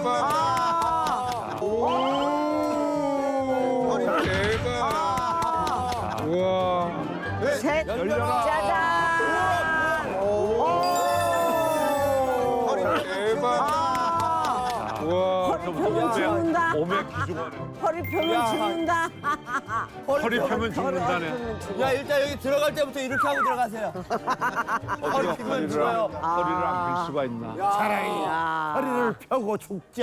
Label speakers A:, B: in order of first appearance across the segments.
A: 대박. 대박. 우와.
B: 셋,
C: 열려라.
B: 짜잔.
A: 대박. 우와.
B: 허리 펴면 죽는다.
C: 몸에 기중하네.
B: 허리 펴면 죽는다.
C: 허리 펴면 죽는다네.
D: 야 일단 여기 들어갈 때부터 이렇게 하고 들어가세요. 허리 펴면 죽어요.
C: 허리를 안 필 수가 있나.
D: 허리를 펴고 죽자.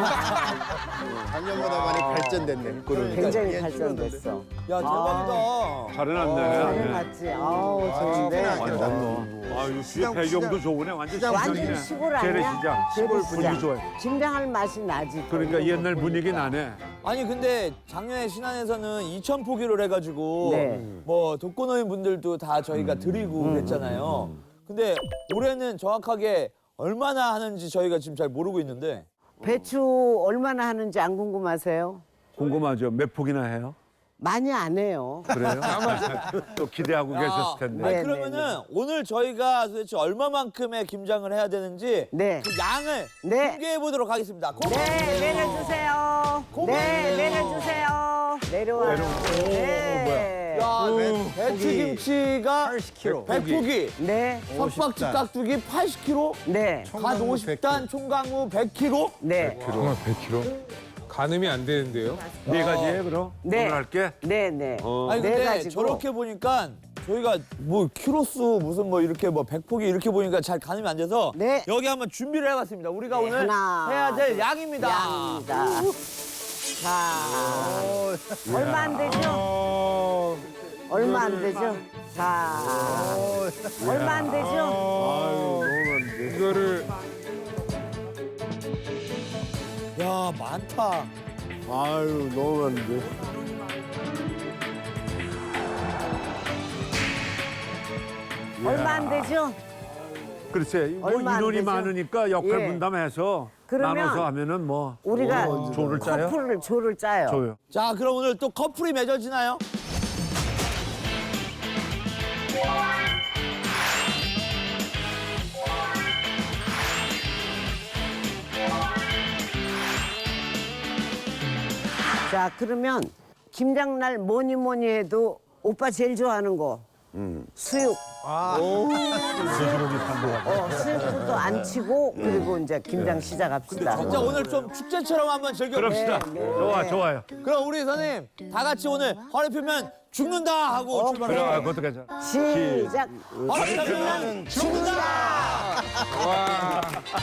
E: 작년보다 많이 발전됐네.
B: 굉장히 발전됐어.
D: 야 대박이다.
C: 잘해놨네.
B: 잘해놨지. 아우 좋은데.
C: 아, 이 뒤에 배경도 좋으네. 완전
B: 완전
C: 시장이네.
B: 시골 아니야?
C: 재래시장.
B: 재래시장.
C: 분위기 좋아요.
B: 김장할 맛이 나지.
C: 그러니까 옛날 분위기 나네.
D: 아니 근데 작년에 신안에서는 2,000포기를 해가지고
B: 네.
D: 뭐 독거노인 분들도 다 저희가 드리고 그랬잖아요. 근데 올해는 정확하게 얼마나 하는지 저희가 지금 잘 모르고 있는데
B: 배추 얼마나 하는지 안 궁금하세요?
C: 궁금하죠? 몇 폭이나 해요?
B: 많이 안 해요.
C: 그래요? 또 기대하고 계셨을 텐데.
B: 네.
D: 아니, 그러면은 오늘 저희가 도대체 얼마만큼의 김장을 해야 되는지
B: 네.
D: 그 양을
B: 네.
D: 공개해 보도록 하겠습니다.
B: 네, 내려주세요. 네, 내려주세요. 내려와. 네.
D: 야, 배추김치가
E: 80kg.
D: 100포기,
B: 네,
D: 석박지 깍두기 80kg,
B: 네,
D: 갓 50단, 총각무 100kg.
B: 네,
A: 정말 100kg? 가늠이 안 되는데요?
C: 네 가지에 그럼?
B: 네.
C: 오늘 할게.
B: 네, 네.
D: 아니
B: 네
D: 근데
B: 가지고.
D: 저렇게 보니까 저희가 뭐 키로수 무슨 뭐 이렇게 뭐 100포기 이렇게 보니까 잘 가늠이 안 돼서
B: 네.
D: 여기 한번 준비를 해봤습니다. 우리가
B: 네,
D: 오늘
B: 하나,
D: 해야 될 양입니다.
B: 양입니다. 자, 얼마 안 되죠? 얼마 안 되죠? 자, 얼마 안 되죠?
A: 이거를
D: 야 많다.
E: 아유, 너무 많은데.
B: 얼마 안 되죠?
C: 글쎄, 뭐
B: 얼마 안
C: 인원이
B: 되죠?
C: 많으니까 역할
B: 예.
C: 분담해서
B: 그러면
C: 나눠서 하면은 뭐
B: 우리가
C: 조를 짜요?
B: 조를 짜요.
C: 줘요.
D: 자 그럼 오늘 또 커플이 맺어지나요?
B: 자, 그러면 김장날 뭐니 뭐니 해도 오빠 제일 좋아하는 거 수육.
C: 돼지고기 판도가.
B: 수육도 안 치고 그리고 이제 김장 시작합시다.
D: 진짜 오늘 좀 축제처럼 한번 즐겨봅시다.
C: 그럽시다.
B: 네, 네.
C: 좋아, 좋아요.
D: 그럼 우리 선생님 다 같이 오늘 허리 펴면 죽는다 하고
C: 그래,
D: 출발해요.
C: 그것도 괜찮아.
B: 시작.
D: 허리 펴면 죽는다.
A: 와.